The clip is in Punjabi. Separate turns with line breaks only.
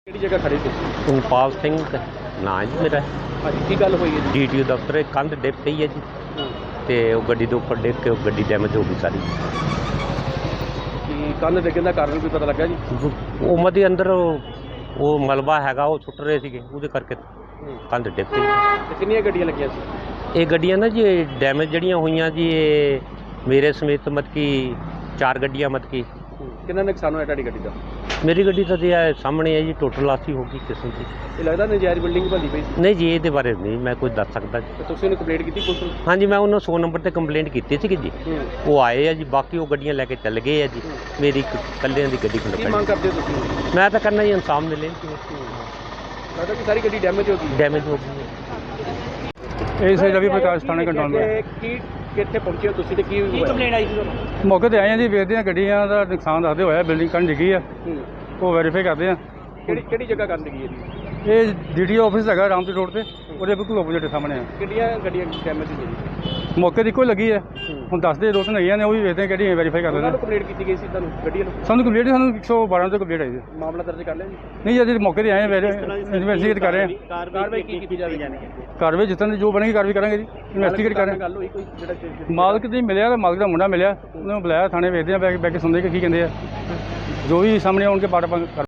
ਕਿਹੜੀ ਜਗ੍ਹਾ ਖੜੇ ਤੁਸੀਂ?
ਉਪਾਲ ਸਿੰਘ ਨਾਂ ਜੀ ਮੇਰਾ।
ਹਾਂਜੀ, ਕੀ ਗੱਲ ਹੋਈ ਹੈ ਜੀ?
ਡੀਟੀਓ ਦਫ਼ਤਰ ਕੰਧ ਡਿੱਗ ਪਈ ਹੈ ਜੀ, ਤੇ ਉਹ ਗੱਡੀ ਦੇ ਉੱਪਰ ਡਿੱਗ ਕੇ ਉਹ ਗੱਡੀ ਡੈਮੇਜ ਹੋ ਗਈ ਸਾਰੀ।
ਕੀ ਕੰਧ ਡਿੱਗਣ ਦਾ ਕਾਰਨ ਕੋਈ ਪਤਾ ਲੱਗਾ ਜੀ?
ਉਹ ਮਦੇ ਅੰਦਰ ਉਹ ਮਲਬਾ ਹੈਗਾ, ਉਹ ਸੁੱਟ ਰਹੇ ਸੀਗੇ, ਉਹਦੇ ਕਰਕੇ ਕੰਧ ਡਿੱਗ ਪਈ।
ਤੇ ਕਿੰਨੀਆਂ ਗੱਡੀਆਂ ਲੱਗੀਆਂ ਸੀ?
ਇਹ ਗੱਡੀਆਂ ਨਾ ਜੀ ਡੈਮੇਜ ਜਿਹੜੀਆਂ ਹੋਈਆਂ ਜੀ, ਇਹ ਮੇਰੇ ਸਮੇਤ ਮਤਲਬ ਕਿ 4 ਗੱਡੀਆਂ ਮਤਲਬ ਕਿ।
ਕਿੰਨਾ ਨੁਕਸਾਨ ਹੋਇਆ ਤੁਹਾਡੀ ਗੱਡੀ ਦਾ?
ਮੇਰੀ ਗੱਡੀ ਤਾਂ ਜੀ ਇਹ ਸਾਹਮਣੇ ਹੈ ਜੀ, ਟੋਟਲ ਲਾਸੀ ਹੋ ਗਈ ਕਿਸਮ ਦੀ।
ਇਹ ਲੱਗਦਾ ਨਜਾਇਜ਼ ਬਿਲਡਿੰਗ ਭੰਦੀ ਪਈ ਸੀ?
ਨਹੀਂ ਜੀ, ਇਹਦੇ ਬਾਰੇ ਨਹੀਂ ਮੈਂ ਕੁਝ ਦੱਸ ਸਕਦਾ ਜੀ।
ਤੇ ਤੁਸੀਂ ਉਹਨੂੰ ਕੰਪਲੇਂਟ ਕੀਤੀ ਪੁਲਿਸ ਨੂੰ?
ਹਾਂਜੀ, ਮੈਂ ਉਹਨਾਂ 100 ਨੰਬਰ 'ਤੇ ਕੰਪਲੇਂਟ ਕੀਤੀ ਸੀਗੀ ਜੀ। ਉਹ ਆਏ ਆ ਜੀ, ਬਾਕੀ ਉਹ ਗੱਡੀਆਂ ਲੈ ਕੇ ਚੱਲ ਗਏ ਆ ਜੀ। ਮੇਰੀ ਇੱਕ ਇਕੱਲਿਆਂ ਦੀ ਗੱਡੀ
ਕੀ ਮੰਗ ਕਰਦੇ ਹੋ ਤੁਸੀਂ?
ਮੈਂ ਤਾਂ ਕਰਨਾ ਜੀ ਇਨਸਾਫ ਮਿਲੇ।
ਲੱਗਦਾ ਕਿ ਸਾਰੀ ਗੱਡੀ ਡੈਮੇਜ ਹੋ ਗਈ?
ਡੈਮੇਜ ਹੋ ਗਈ।
ਇਹ ਸਹੀ ਰਵੀ ਪ੍ਰਕਾਸ਼ ਥਾਣੇ ਕੰਟਰੋਲ
ਕੀ ਕਿੱਥੇ ਪਹੁੰਚੇ ਹੋ ਤੁਸੀਂ ਤੇ ਕੀ ਕੰਪਲੇਂਟ ਆਈ ਸੀ ਤੁਹਾਨੂੰ?
ਮੌਕੇ ਤੇ ਆਏ ਆ ਜੀ, ਵੇਖਦੇ ਆ ਗੱਡੀਆਂ ਦਾ ਨੁਕਸਾਨ ਦੱਸਦੇ ਹੋਇਆ, ਬਿਲਡਿੰਗ ਕੰਨ ਡਿੱਗੀ ਆ, ਉਹ ਵੈਰੀਫਾਈ ਕਰਦੇ ਆ।
ਕਿਹੜੀ ਜਗ੍ਹਾ ਕਰਨ ਲੱਗੀ ਹੈ ਜੀ?
ਇਹ ਡੀਡੀਓ ਆਫਿਸ ਹੈਗਾ ਰਾਮਪੁਰ ਰੋਡ ਤੇ, ਉਹਦੇ ਬਿਲਕੁਲ ਆਪੋਜ਼ਿਟ ਸਾਹਮਣੇ ਆ।
ਕਿੰਨੀਆਂ ਗੱਡੀਆਂ ਡੈਮੇਜ ਹੋਈਆਂ ਜੀ?
ਮੌਕੇ ਦੀ ਇੱਕੋ ਲੱਗੀ ਹੈ, ਹੁਣ ਦੱਸਦੇ 2-3 ਹੈਗੀਆਂ ਨੇ, ਉਹ ਵੀ ਵੇਖਦੇ ਆ ਕਿਹੜੀਆਂ ਵੈਰੀਫਾਈ ਕਰਦੇ
ਉਹਨਾਂ
ਨੇ।
ਨੂੰ ਕੰਪਲੇਂਟ ਕੀਤੀ ਗਈ ਸੀ ਤੁਹਾਨੂੰ ਗੱਡੀਆਂ ਨੂੰ?
ਸਾਨੂੰ ਕੰਪਲੀਟ ਸਾਨੂੰ 112 ਤੋਂ ਕੰਪਲੀਟ ਆਈ ਹੈ।
ਮਾਮਲਾ ਦਰਜ ਕਰ ਲਿਆ ਜੀ?
ਨਹੀਂ ਅਜੇ ਮੌਕੇ ਤੇ ਆਏ ਆ, ਇਨਵੈਸਟੀਗੇਟ ਕਰ ਰਹੇ ਆ।
ਕਾਰਵਾਈ ਕੀ ਕੀਤੀ ਜਾਵੇਗੀ?
ਕਾਰਵਾਈ ਜਿੱਦਾਂ ਦੀ ਜੋ ਬਣੇਗੀ ਕਾਰਵਾਈ ਕਰਾਂਗੇ ਜੀ, ਇਨਵੈਸਟੀਗੇਟ ਕਰ ਰਹੇ
ਗੱਲ ਹੋਈ ਕੋਈ ਜਿਹੜਾ
ਆ। ਮਾਲਕ ਦੀ ਮਿਲਿਆ ਤਾਂ ਮਾਲਕ ਦਾ ਮੁੰਡਾ ਮਿਲਿਆ, ਉਹਨੂੰ ਬੁਲਾਇਆ ਥਾਣੇ, ਵੇਖਦੇ ਆ ਬੈ ਕੇ ਸੁਣਦੇ ਕਿ ਕੀ ਕਹਿੰਦੇ ਆ, ਜੋ ਵੀ ਸਾਹਮਣੇ ਆਉਣਗੇ ਪਾਰਟ